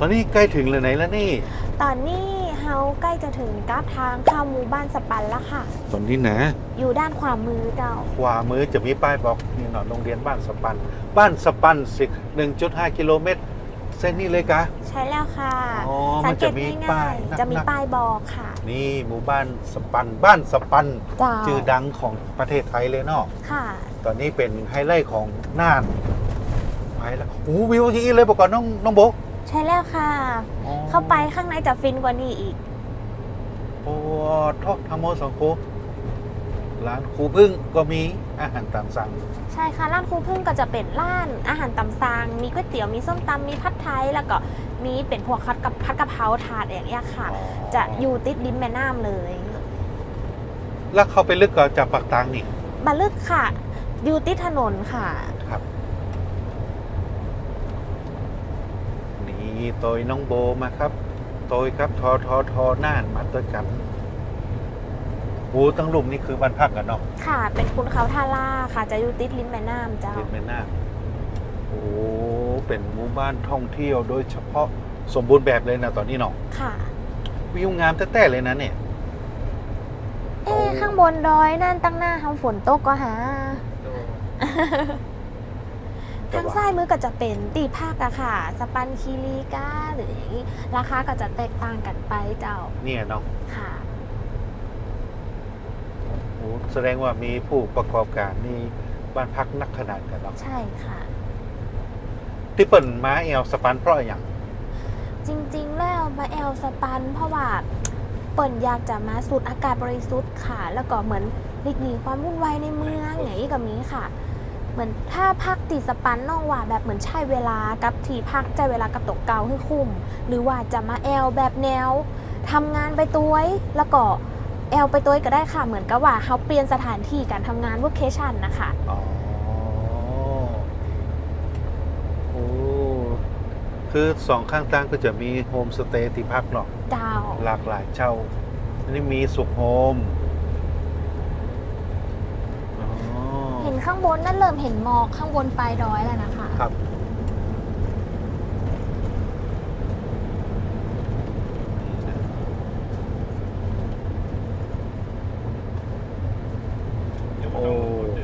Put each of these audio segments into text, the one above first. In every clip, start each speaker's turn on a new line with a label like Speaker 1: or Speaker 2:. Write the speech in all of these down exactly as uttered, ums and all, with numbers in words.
Speaker 1: อนนี้ใกล้ถึงเลยไหนแล้วนี่
Speaker 2: ตอนนี้เฮาใกล้จะถึงกับทางเข้าหมู่บ้านสปันแล้วค่ะ
Speaker 1: ตอนนี้นะ
Speaker 2: อยู่ด้านขวามือเจ้า
Speaker 1: ขวามือจะมีป้ายบอกนี่เนาะโรงเรียนบ้านสปัน บ้านสปันสิหนึ่งจุดห้ากิโลเมตรเส้นนี้เลยกะ
Speaker 2: ใช่แล้วค่ะ
Speaker 1: อ๋อ
Speaker 2: สั
Speaker 1: มัน
Speaker 2: เก
Speaker 1: จะ
Speaker 2: ต
Speaker 1: มี
Speaker 2: ง่า
Speaker 1: ป้าย
Speaker 2: ย
Speaker 1: นัก
Speaker 2: ๆจะมี
Speaker 1: นัก
Speaker 2: ป้ายบอกค่ะ
Speaker 1: นี่หมู่บ้านสปัน บ้านสปัน
Speaker 2: เจ้า
Speaker 1: ชื่อดังของประเทศไทยเลยเนาะ
Speaker 2: ค่ะ
Speaker 1: ตอนนี้เป็นไฮไลท์ของน่านไปแล้วโอ้วิวอย่างนี้เลยบอกก่อนน้องน้องโบ
Speaker 2: ใช่แล้วค่ะ
Speaker 1: อ๋อ
Speaker 2: เข้าไปข้างในจะฟินกว่านี้อีก
Speaker 1: โอ้ทอกทามโมสองโคร้านครูพึ่งก็มีอาหารตามสั่ง
Speaker 2: ใช่ค่ะร้านครูพึ่งก็จะเป็นร้านอาหารตำซางมีก๋วยเตี๋ยวมีส้มตำมีผัดไทยแล้วก็มีเป็นพวกคัดกับผัดกะเพราถาดอย่างเงี้ยค่ะ จะอยู่ติดริมแม่น้ำเลย
Speaker 1: แล้วเข้าไปลึกก็จากปากตางนี่
Speaker 2: บาลึกค่ะ อยู่ติดถนนค่ะ
Speaker 1: ครับ นี่โตยน้องโบมาครับโตยครับทอทอทอน่านมาตัวกันโอ้ตั้งหลุมนี่คือบ้านพักกันเนาะ
Speaker 2: ค่ะ เป็นคุณเขาท่าล่าค่ะ จะอยู่ติดริมแม่น้ำเจ้า
Speaker 1: ติดแม่น้ำโอ้เป็นหมู่บ้านท่องเที่ยวโดยเฉพาะสมบูรณ์แบบเลยนะตอนนี้เนาะ
Speaker 2: ค่ะ
Speaker 1: วิวงามแต้ๆเลยนะเนี่ย
Speaker 2: เอ๊ะข้างบนดอยนั่นตั้งหน้าทำฝนตกก็หา
Speaker 1: แต่
Speaker 2: ทาง
Speaker 1: ว่า
Speaker 2: ซ้ายมือก็จะเป็นตีภาคอะค่ะ สปันคีรีกาหรืออย่างนี้ราคาก็จะแตกต่างกันไปเจ้า
Speaker 1: เนี่ยเนาะ
Speaker 2: ค่ะ
Speaker 1: โอ้แสดงว่ามีผู้ประกอบการมีบ้านพักนักขนาดกันเนาะ
Speaker 2: ใช่ค่ะ
Speaker 1: ที่เปิ่นม้าแอลสปันเพราะอย่าง
Speaker 2: จริงๆ แล้วมาแอลสปัน เพราะว่าเปิ่นอยากจะมาสูดอากาศบริสุทธิ์ค่ะ แล้วก็เหมือนหลีกหนีความวุ่นวายในเมืองอย่างนี้กับนี้ค่ะ เหมือนถ้าพักตีสปันน้องว่าแบบเหมือนใช้เวลากับที่พักใจเวลากับตกเกาให้คุ้ม หรือว่าจะมาแอลแบบแนวทำงานไปตัวยแล้วก็แอลไปตัวยก็ได้ค่ะ เหมือนกับว่าเขาเปลี่ยนสถานที่การทำงาน workation นะคะ
Speaker 1: อ๋อโอ้คือสองข้างทางก็จะมีโฮมสเตย์ที่พักเนาะ
Speaker 2: ดาว
Speaker 1: หลากหลายเช่าอันนี้มีสุขโฮมอ๋อ
Speaker 2: เห็นข้างบนนั่นเริ่มเห็นหมอกข้างบนปลายดอยแล้วนะคะ
Speaker 1: ครับโอ้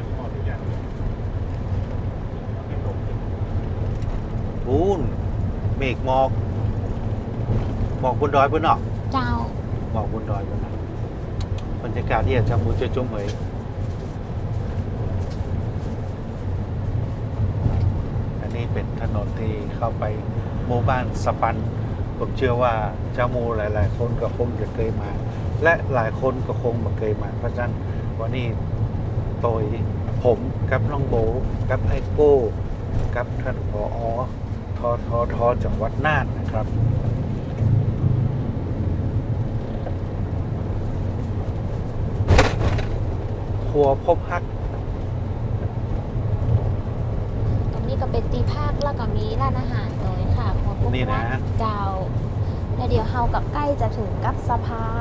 Speaker 1: ปูนเมฆหมอกหมอกบนดอยบนเนาะ
Speaker 2: เจ้า
Speaker 1: หมอกบนดอยบนเนาะบรรยากาศที่อาจจะมูจะจุ่มเหมยอันนี้เป็นถนนที่เข้าไปหมู่บ้านสปัน ผมเชื่อว่าเจ้าหมูหลาย ๆ คนก็คงจะเคยมา และหลายคนก็คงมาเคยมา เพราะฉะนั้นวันนี้โตยผมกับน้องโบกับไอโก้กับท่านผอทอทอทอจังหวัดน่านนะครับครัวพบฮัก
Speaker 2: ตรงนี้ก็เป็นตีภาคแล้วก็มีร้านอาหารเลยค่ะพวกพวก
Speaker 1: นี่นะ
Speaker 2: ร้าเจ้าแล้วเดี๋ยวเฮากับใกล้จะถึงกับสะพาน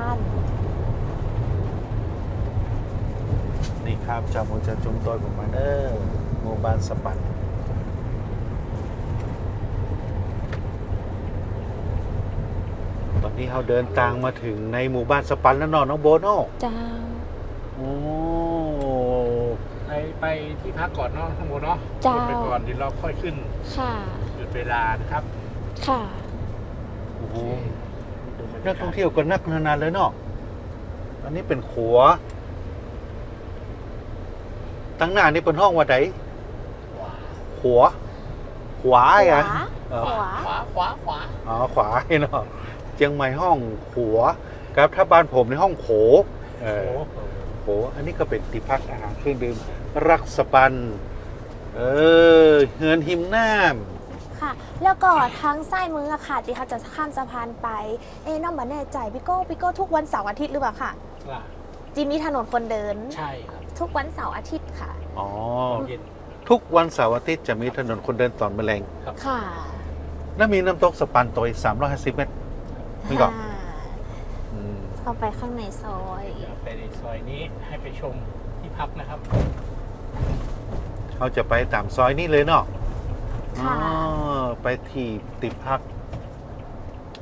Speaker 1: นี่ครับจามูจะจุ่มตัวผมมาเด้อหมู่บ้านสปัน ตอนนี้เราเดินทางมาถึงในหมู่บ้านสปันแล้วเนอนน้องโบโน่
Speaker 2: เจ้า
Speaker 1: โอ้
Speaker 3: ไปไปที่พักก่อนเนาะทั้งหมดเนาะ
Speaker 2: เจ้า
Speaker 3: หยุดไปก่อนเดี๋ยวเราค่อยขึ้น
Speaker 2: ค่ะ
Speaker 3: หยุดเวลานะครับ
Speaker 2: ค่ะ
Speaker 1: โอ้โห
Speaker 3: ดูบรร
Speaker 1: นั
Speaker 3: ยาก กาศ
Speaker 1: ท่องเที่ยวก็นักนานๆเลยเนาะอันนี้เป็นขัว ตั้งหน้านี่เป็นห้องว่าไหนขัว ขวา
Speaker 2: ข
Speaker 1: อ่ะ
Speaker 2: วา
Speaker 1: เออ
Speaker 2: ขวา
Speaker 3: ขวาขวาขวา
Speaker 1: อ๋อขวาเนาะเชียงใหม่ห้องขัวครับถ้าบ้านผมในห้องโขเอ
Speaker 3: โอ้
Speaker 1: อ
Speaker 3: โห
Speaker 1: โขอันนี้ก็เป็นที่พักอาหารเครื่องดื่มรักสปัน เออเฮือนหิมน้ำ
Speaker 2: ค่ะ แล้วก็ทางซ้ายมืออะค่ะที่เขาจะข้ามสะพานไป เอ๊ะน้องมาแน่ใจพี่โก้พี่โก้ทุกวันเสาร์อาทิตย์หรือเปล่าค่ะ
Speaker 3: ล่ะ
Speaker 2: จีมีถนนคนเดิน
Speaker 3: ใช่ครับ
Speaker 2: ทุกวันเสาร์อาทิตย์ค่ะ
Speaker 1: อ๋อ
Speaker 3: เย็น
Speaker 1: ทุกวันเสาร์อาทิตย์จะมีถนนคนเดินตอนแมลง
Speaker 2: ค่ะ
Speaker 1: และมีน้ำตกสปันตัวอีกสามร้อยห้าสิบเมตร นี่ก่อน
Speaker 2: อ่า
Speaker 1: อืม
Speaker 2: เข้าไปข้างในซอย
Speaker 3: เดี๋ยวไปในซอยนี้ให้ไปชมที่พักนะครับ
Speaker 1: เขาจะไปตามซอยนี้เลยเนาะ
Speaker 2: ค่ะ
Speaker 1: อ๋อไปที่ติดพัก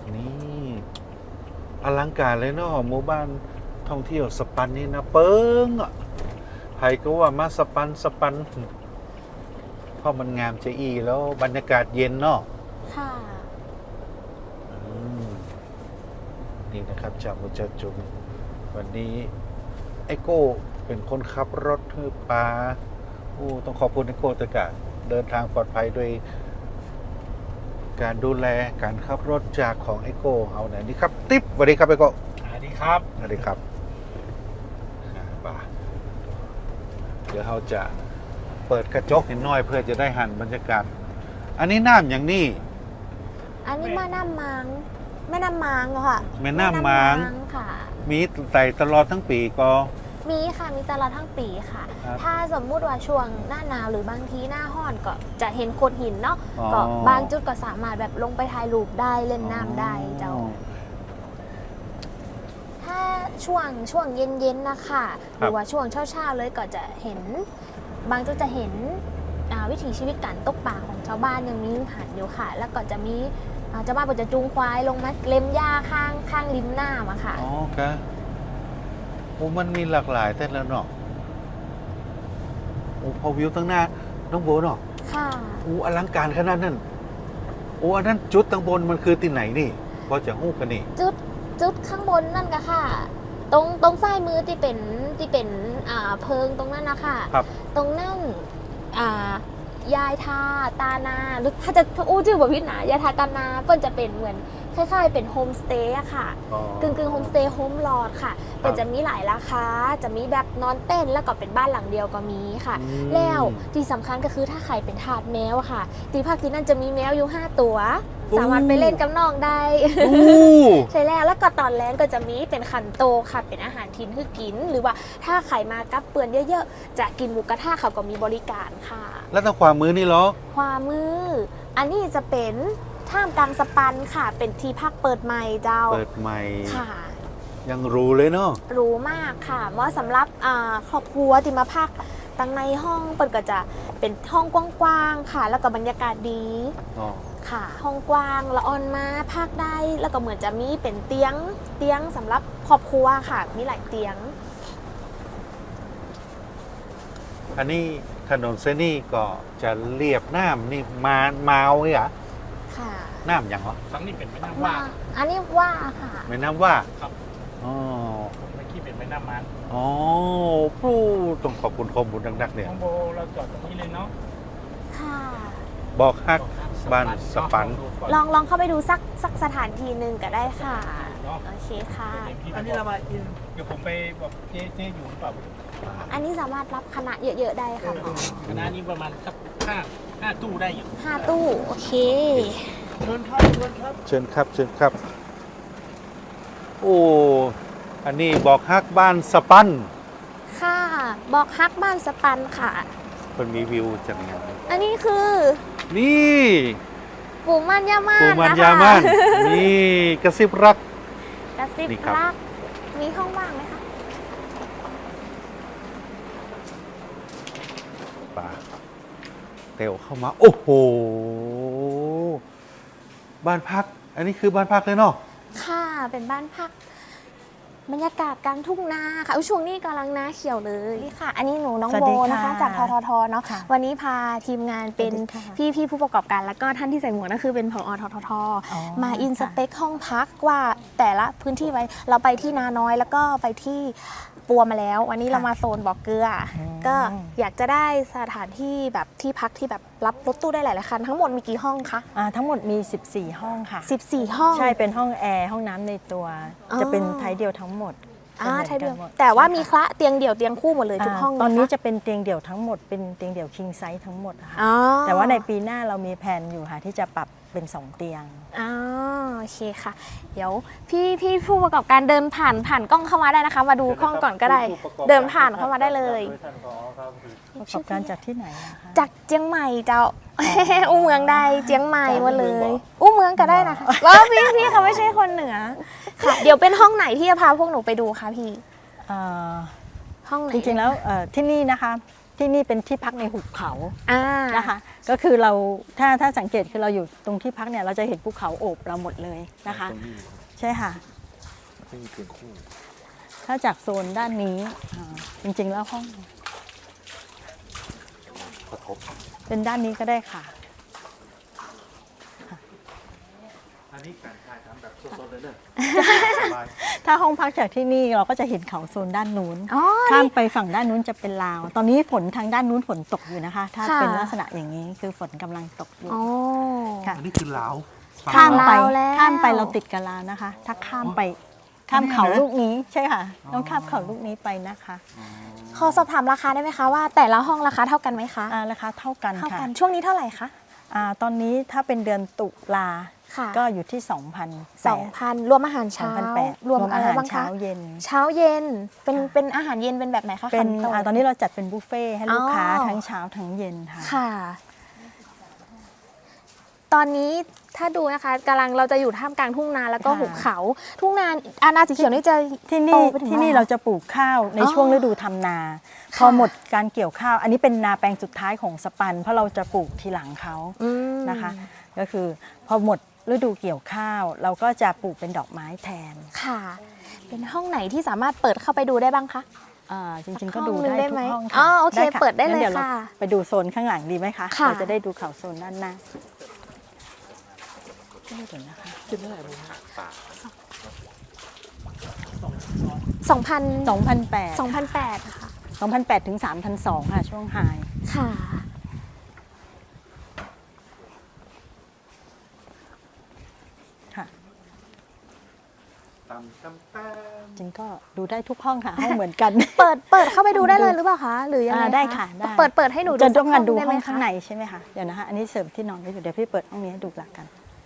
Speaker 1: นี่อลังการเลยเนาะหมู่บ้านท่องเที่ยวสปันนี่นะเปิงอ่ะใครก็ว่ามาสปันสปันเพราะมันงามจะอีแล้วบรรยากาศเย็นเนาะ
Speaker 2: ค่ะ
Speaker 1: อืมนี่นะครับจากมุจจุมวันนี้ไอโก้เป็นคนขับรถคือปลาโอ้ต้องขอบคุณไอโก้ตะกะเดินทางปลอดภัยโดยการดูแลการขับรถจากของไอโก้เอาไหนนี่ครับ ติ๊บสวัสดีครับไอโก้
Speaker 3: สวัสดีครับ
Speaker 1: สวัสดีครับอ่าป่าเดี๋ยวเราจะเปิดกระจกนิดหน่อยเพื่อจะได้หันบรรยากาศ อันนี้น้ำอย่างนี้
Speaker 2: อันนี้แม่น้ำมังแม่น้ำมังเหรอค่ะ
Speaker 1: แม่น้ำมัง
Speaker 2: แม่ค่ะ
Speaker 1: มีไต่ตลอดทั้งปีก็
Speaker 2: มีค่ะ มีตลอดทั้งปีค่ะ
Speaker 1: ครับ
Speaker 2: ถ้าสมมุติว่าช่วงหน้าหนาวหรือบางทีหน้าห้อนก็จะเห็นโขดหินเนาะ
Speaker 1: อ๋อ
Speaker 2: ก็บางจุดก็สามารถแบบลงไปถ่ายรูปได้เล่นน้ำได้เจ้า ถ้าช่วงช่วงเย็นๆนะคะหรือว่าช่วงเช้าๆเลยก็จะเห็น บางจุดจะเห็นอ่าวิถีชีวิตการตกป่าของชาวบ้านยังมีหันอยู่ค่ะ แล้วก็จะมีอ่าชาวบ้านก็จะจูงควายลงมาเล็มหญ้าข้างข้างริมน้ำอะค่ะ
Speaker 1: อ๋อครับโอ้มันมีหลากหลายแต่ละเนาะโอ้พอวิวตั้งหน้าน้องโบเนาะ
Speaker 2: ค่ะ
Speaker 1: โอ้อลังการขนาดนั้นโอ้อันนั้นจุดตั้งบนมันคือที่ไหนนี่พอจะหู้กันนี่
Speaker 2: จุดจุดข้างบนนั่นก็ค่ะ ตรงตรงซ้ายมือที่เป็นที่เป็นอ่าเพิงตรงนั้นนะคะ
Speaker 1: ครับ
Speaker 2: ตรงนั่นอ่ายายทาตานาหรือถ้าจะอู้ชื่อแบบพิษนะยายทาตานาเปิ้นจะเป็นเหมือนคล้ายๆเป็นโฮมสเตย์อะค่ะ
Speaker 1: อ๋อก
Speaker 2: ึ่งกึ่งโฮมสเตย์โฮมลอดค่ะเป็นจะมีหลายราคาจะมีแบบนอนเต้นแล้วก็เป็นบ้านหลังเดียวก็มีค่ะ
Speaker 1: อืม
Speaker 2: แล้วที่สำคัญก็คือถ้าใครเป็นทาสแมวอะค่ะที่ภาคที่นั่นจะมีแมวอยู่ห้าตัว สามารถไปเล่นกับน้องได้
Speaker 1: โอ้
Speaker 2: ใช่แล้วแล้วก็ตอนแรกก็จะมีเป็นขันโตค่ะเป็นอาหารทิ้นคือกิน หรือว่าถ้าใครมากับเปื่อนเยอะๆจะกินหมูกระทะเขาก็มีบริการค่ะ
Speaker 1: แล้วทางขวามือนี่เหรอ
Speaker 2: ความมือ อันนี้จะเป็นท่ามกลางสปันค่ะ เป็นที่พักเปิดใหม่เจ้า
Speaker 1: เปิดใหม่
Speaker 2: ค่ะ
Speaker 1: ยังรู้เลยเนาะ
Speaker 2: รู้มากค่ะเหมาะสำหรับอ่าครอบครัวที่มาพักตั้งในห้องเปิดก็จะเป็นห้องกว้างๆค่ะ แล้วก็บรรยากาศดี
Speaker 1: อ๋อ
Speaker 2: ค่ะ ห้องกว้างละออนมาพักได้ แล้วก็เหมือนจะมีเป็นเตียงเตียงสำหรับครอบครัวค่ะ มีหลายเตียง
Speaker 1: อันนี้ถนนเส้นนี้ก็จะเรียบน้ำนี่มาเมาเนี่ยเหรอ
Speaker 2: ค่ะ
Speaker 1: น้ำอย่างเหรอ
Speaker 3: ฟังนี่เป็นแม่น้ำว่า
Speaker 2: อันนี้ว่าค่ะ
Speaker 1: แม่น้ำว่า
Speaker 3: ครับ
Speaker 1: อ๋อ
Speaker 3: เมื่อกี้เป็นแม่น้ำมัน
Speaker 1: อ๋อผู้ต้องขอบคุณข้อมูลดักๆเนี่ย
Speaker 3: น้องโบเราจอดตรงนี้เลยเนาะ
Speaker 2: ค่ะ
Speaker 1: บอกฮัก บ้านสปัน
Speaker 2: ลองลองเข้าไปดูสักสักสถานที่หนึ่งก็ได้ค่ะ โอเคค่ะ
Speaker 3: อันนี้เรามาอินเดี๋ยวผมไปบอกเจ๊เจ๊อยู่หรือเปล่า
Speaker 2: อันนี้สามารถรับคณะเยอะๆได้ค่ะหมอ
Speaker 3: คณะนี้ประมาณสักห้าห้าตู้ได้อยู่
Speaker 2: ห้าตู้ โอเค
Speaker 3: เชิญครับเชิญครับ
Speaker 1: เชิญครับเชิญครับ โอ้อันนี้บอกฮักบ้านสปัน
Speaker 2: ค่ะ บอกฮักบ้านสปันค่ะ
Speaker 1: มันมีวิวจากไหน
Speaker 2: อันนี้คือ
Speaker 1: นี่
Speaker 2: ปูมันยามา
Speaker 1: ปู
Speaker 2: น
Speaker 1: มัน
Speaker 2: นะคะ
Speaker 1: ยามันนี่กระซิบรัก
Speaker 2: กระซิบ
Speaker 1: นี่ครับ
Speaker 2: รัก มีห้องว่างไหมคะ
Speaker 1: ป่าเตวเข้ามา โอ้โห บ้านพัก อันนี้คือบ้านพักเลยเนาะ
Speaker 2: ค่ะ เป็นบ้านพัก บรรยากาศกลางทุ่งนาค่ะอุ๊ยช่วงนี้กำลังนาเขียวเลยนี่ค่ะ อันนี้หนูน้อง
Speaker 4: สวัส
Speaker 2: โบ
Speaker 4: ดีค่ะ
Speaker 2: นะคะ จากทททเนาะ
Speaker 4: ค่ะ
Speaker 2: วันนี้พาทีมงานเป็น
Speaker 4: สวัสดีค่ะ
Speaker 2: พี่พี่ผู้ประกอบการ แล้วก็ท่านที่ใส่หมวกนั่นคือเป็นผอททท
Speaker 4: อ๋อ
Speaker 2: มาอินส
Speaker 4: ค่ะ
Speaker 2: เปคห้องพักว่าแต่ละพื้นที่ไว้ เราไปที่นาน้อยแล้วก็ไปที่ปัวมาแล้ว วันนี้เรามาโซนบ่อเกลืออ
Speaker 4: ม
Speaker 2: ก็อยากจะได้สถานที่แบบที่พักที่แบบรับรถตู้ได้หลายๆคันทั้งหมดมีกี่ห้องคะ
Speaker 4: อ่าทั้งหมดมี สิบสี่ ห้องค่ะ
Speaker 2: สิบสี่ ห้อง
Speaker 4: ใช่เป็นห้องแอร์ห้องน้ำในตัว
Speaker 2: อ๋อ
Speaker 4: จะเป็นไทยเดียวทั้งหมด
Speaker 2: อ่า
Speaker 4: จะ
Speaker 2: ไทย
Speaker 4: หมื
Speaker 2: เดี
Speaker 4: อน
Speaker 2: ยว
Speaker 4: กันหด
Speaker 2: แต่ว่ามี
Speaker 4: ใช่
Speaker 2: คละเตียงเดี่ยวเตียงคู่หมดเลยทุกห้อง
Speaker 4: าตอนนี้
Speaker 2: ค
Speaker 4: จะเป็นเตียงเดี่ยวทั้งหมดเป็นเตียงเดี่ยว king size ทั้งหมดอะค่ะ
Speaker 2: อ๋อ
Speaker 4: แต่ว่าในปีหน้าเรามีแผนอยู่ค่ะที่จะปรับเป็นสองเตียง
Speaker 2: อ๋อโอเคค่ะ เดี๋ยวพี่พี่ผู้ประกอบการเดินผ่านผ่านกล้องเข้ามาได้นะคะ มาดูห้องก่อนก็ได้ เดินผ่านเข้ามาได้เลย
Speaker 4: ประกอบการจากที่ไหนนะคะ
Speaker 2: จากเจียงใหม่เจ้า อู้เมืองได้เจียงใหม่หมาเลย อู้เมืองก็ได้นะคะว้าวพี่พี่เขาไม่ใช่คนเหนือค่ะ เดี๋ยวเป็นห้องไหนที่จะพาพวกหนูไปดูคะพี่
Speaker 4: อ่า
Speaker 2: ห้องไหน
Speaker 4: จริงๆแล้วเอ่อที่นี่นะคะที่นี่เป็นที่พักในหุบเขา
Speaker 2: อ่า
Speaker 4: นะคะ ก็คือเราถ้าถ้าสังเกตคือเราอยู่ตรงที่พักเนี่ยเราจะเห็นภูเขาโอบเราหมดเลยนะคะ
Speaker 3: ตรงนี้
Speaker 4: ใช่ค่ะ
Speaker 3: ไม่มีเตียงคู่
Speaker 4: ถ้าจากโซนด้านนี้อ่าจริงๆแล้วห้อง
Speaker 3: กระทบ
Speaker 4: เป็นด้านนี้ก็ได้ค่ะ
Speaker 1: อันนี้การถ่ายทำแบบสดๆเลยเด้อสบาย
Speaker 4: ถ้าห้องพักจากที่นี่เราก็จะเห็นเขาโซนด้านนู้น
Speaker 2: อ๋อ
Speaker 4: ข้ามไปฝั่งด้านนู้นจะเป็นลาว ตอนนี้ฝนทางด้านนู้นฝนตกอยู่นะคะ ถ้า
Speaker 2: ค่ะ
Speaker 4: เป็นลักษณะอย่างนี้คือฝนกำลังตกอยู่
Speaker 2: อ๋อ
Speaker 4: ค่ะ
Speaker 1: อันนี้คือลาว
Speaker 4: ข้ามไป
Speaker 2: ลาวแล้ว
Speaker 4: ข้ามไปเราติดกับลาวนะคะ ถ้าข้ามไปข้ามเขาลูกนี้ใช่ค่ะ ต้องข้ามเขาลูกนี้ไปนะคะ
Speaker 2: ขอสอบถามราคาได้ไหมคะว่าแต่ละห้องราคาเท่ากันไหมคะ
Speaker 4: อ่าราคาเท่ากัน
Speaker 2: เท่า
Speaker 4: ค่ะ
Speaker 2: กันช่วงนี้เท่าไหร่คะ
Speaker 4: อ่าตอนนี้ถ้าเป็นเดือนตุลา
Speaker 2: ค่ะ
Speaker 4: ก็อยู่ที่ สองพัน
Speaker 2: สองพันรวมอาหารเช้า
Speaker 4: แปด
Speaker 2: รวม
Speaker 4: อา
Speaker 2: อะไร
Speaker 4: หาร
Speaker 2: บ้าง
Speaker 4: เช้า
Speaker 2: คะ
Speaker 4: เย็น
Speaker 2: เช้าเย็นเป็น
Speaker 4: ค่ะ
Speaker 2: เป็นอาหารเย็นเป็นแบบไหนคะ
Speaker 4: เป็น
Speaker 2: ขัโต
Speaker 4: อ่าตอนนี้เราจัดเป็นบุฟเฟ่ต์ให้ลูกค้า
Speaker 2: อ๋อ
Speaker 4: ทั้งเช้าทั้งเย็นค่ะ
Speaker 2: ค่ะ ตอนนี้ถ้าดูนะคะกำลังเราจะอยู่ท่ามกลางทุ่งนาแล้วก็
Speaker 4: ค่ะ
Speaker 2: หุบเขา ทุ่งนาอาณาสีเขียวนี่จะ
Speaker 4: ที่
Speaker 2: โต
Speaker 4: นี่
Speaker 2: ไปถึง
Speaker 4: ที่นี่
Speaker 2: ไหน
Speaker 4: เราจะปลูกข้าวใน
Speaker 2: อ๋อ
Speaker 4: ช่วงฤดูทำนา
Speaker 2: ค่ะ
Speaker 4: พอหมดการเกี่ยวข้าว อันนี้เป็นนาแปลงสุดท้ายของสปัน เพราะเราจะปลูกทีหลังเขา
Speaker 2: อืม
Speaker 4: นะคะ ก็คือพอหมดฤดูเกี่ยวข้าว เราก็จะปลูกเป็นดอกไม้แทน
Speaker 2: ค่ะ เป็นห้องไหนที่สามารถเปิดเข้าไปดูได้บ้างคะ
Speaker 4: อ่าจริงๆ
Speaker 2: สั
Speaker 4: ก็
Speaker 2: กห้
Speaker 4: ดู
Speaker 2: องหนึ่ง
Speaker 4: ได้
Speaker 2: ได้
Speaker 4: ทุ
Speaker 2: ไหม
Speaker 4: กห้อง
Speaker 2: อ๋
Speaker 4: ค่ะ
Speaker 2: อโอเค
Speaker 4: ค่ะ
Speaker 2: เปิดได้เลย
Speaker 4: งั้นดี๋วรา
Speaker 2: ค่ะ
Speaker 4: ไปดูโซนข้างหลังดีไหมคะ
Speaker 2: ค่ะ
Speaker 4: เราจะได้ดูเขาโซนด้านหน้าเดี๋ยวนะคะ
Speaker 3: ขึ้นเท่าไหร่รู้ไหมป่า
Speaker 2: สองพัน
Speaker 4: สองพันแปด
Speaker 2: สองพันแปดค่ะ
Speaker 4: สองพันแปดถึงสามพันสองค่ะ ช่วงไฮ
Speaker 2: ค่ะ
Speaker 4: ค่ะ
Speaker 1: ตำตำตำ
Speaker 4: จริงก็ดูได้ทุกห้องค่ะ ห้องเหมือนกัน
Speaker 2: เปิดเปิดเข้าไปดูได้เลยหรือเปล่าคะหรือยังไง
Speaker 4: อ่า
Speaker 2: คะ
Speaker 4: ได้ค่ะได้
Speaker 2: เปิดเปิดให้หนูดู
Speaker 4: จะต้องการดู
Speaker 2: สัก
Speaker 4: ห้
Speaker 2: ไไม
Speaker 4: อง
Speaker 2: คะ
Speaker 4: ข้างในใช่ไหมคะ เดี๋ยวนะคะ อันนี้เสริมที่นอนไว้อยู่ เดี๋ยวพี่เปิดห้องนี้ให้ดูละกัน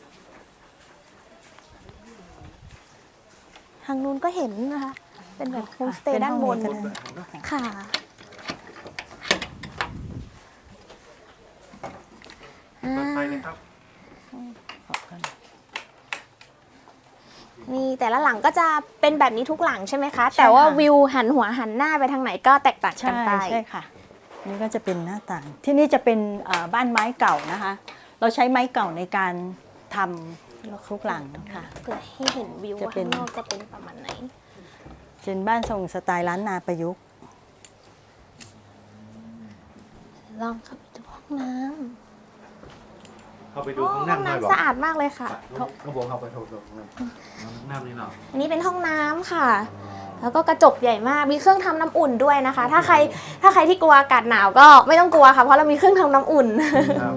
Speaker 2: ทางนู้นก็เห็นนะคะ เป็นแบบโฮมสเต
Speaker 4: เป็
Speaker 2: ย์ด้านบน
Speaker 4: ห้องก็ได้
Speaker 2: ค่ะ
Speaker 1: เปิดไฟเลยครับ
Speaker 4: ขอบคุณ
Speaker 2: นี่แต่ละหลังก็จะเป็นแบบนี้ทุกหลังใช่ไหมคะ แต่ว่าวิวหันหัวหันหน้าไปทางไหนก็แตกต่างกั
Speaker 4: ใช่
Speaker 2: นไป
Speaker 4: ใช่ค่ะ นี่ก็จะเป็นหน้าต่าง ที่นี่จะเป็นเอ่อบ้านไม้เก่านะคะ เราใช้ไม้เก่าในการทำทุกหลังค่ะ
Speaker 2: เพื่อให้เห็นวิว
Speaker 4: จะ
Speaker 2: ว่า
Speaker 4: เป็น
Speaker 2: ข้างนอกจะเป็นประมาณไหน
Speaker 4: เป็นบ้านทรงสไตล์ล้านนาประยุกต์
Speaker 2: ลองเข้าไปดูห้องน้
Speaker 1: เข้าไป
Speaker 2: ำ
Speaker 1: ดูข้างหน้าหน่อยบอ
Speaker 2: น้ำ
Speaker 1: ก
Speaker 2: สะอาดมากเลยค่ะ
Speaker 1: เขาบอกเข้าไปดูดูน้ำนี่เนาะ
Speaker 2: อันนี้เป็นห้องน้ำค่ะ แล้วก็กระจกใหญ่มาก มีเครื่องทำน้ำอุ่นด้วยนะคะ ถ้าใครถ้าใครที่กลัวอากาศหนาวก็ไม่ต้องกลัวค่ะ เพราะเรามีเครื่องทำน้ำอุ่น
Speaker 1: ครับ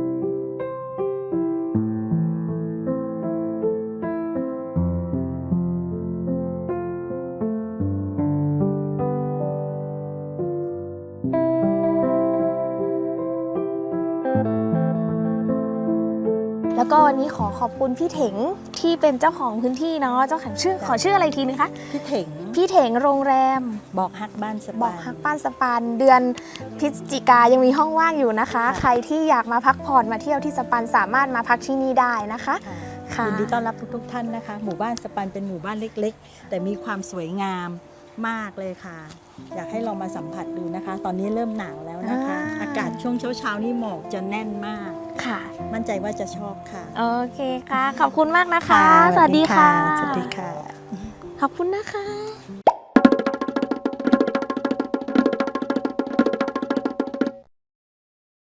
Speaker 2: แล้วก็วันนี้ขอขอบคุณพี่เถงที่เป็นเจ้าของพื้นที่เนาะ เจ้าของชื่อขอชื่ออะไรอีกทีนึงคะ
Speaker 4: พี่เถง
Speaker 2: พี่เถงโรงแรม
Speaker 4: บอกฮักบ้านส
Speaker 2: บ
Speaker 4: บา
Speaker 2: อก
Speaker 4: ย
Speaker 2: ฮักป้านสปานเดือนพฤศจิกายังมีห้องว่างอยู่นะคะ
Speaker 4: ค่ะ
Speaker 2: ใครที่อยากมาพักผ่อนมาเที่ยวที่สปันสามารถมาพักที่นี่ได้นะคะ
Speaker 4: ค่ะ
Speaker 2: ค่ะ
Speaker 4: ยินดีต้อนรับทุกๆท่านนะคะ หมู่บ้านสปันเป็นหมู่บ้านเล็กๆ แต่มีความสวยงามมากเลยค่ะ อยากให้ลองมาสัมผัสดูนะคะ ตอนนี้เริ่มหนาวแล้วนะคะ
Speaker 2: อ่า
Speaker 4: อากาศช่วงเช้าๆนี่หมอกจะแน่นมาก
Speaker 2: ค่ะ
Speaker 4: มั่นใจว่าจะชอบค่ะ
Speaker 2: โอเคค่ะ ขอบคุณมากนะคะ สวัสดีค่ะ
Speaker 4: สวัสดีค่ะ
Speaker 2: ขอบคุณนะคะ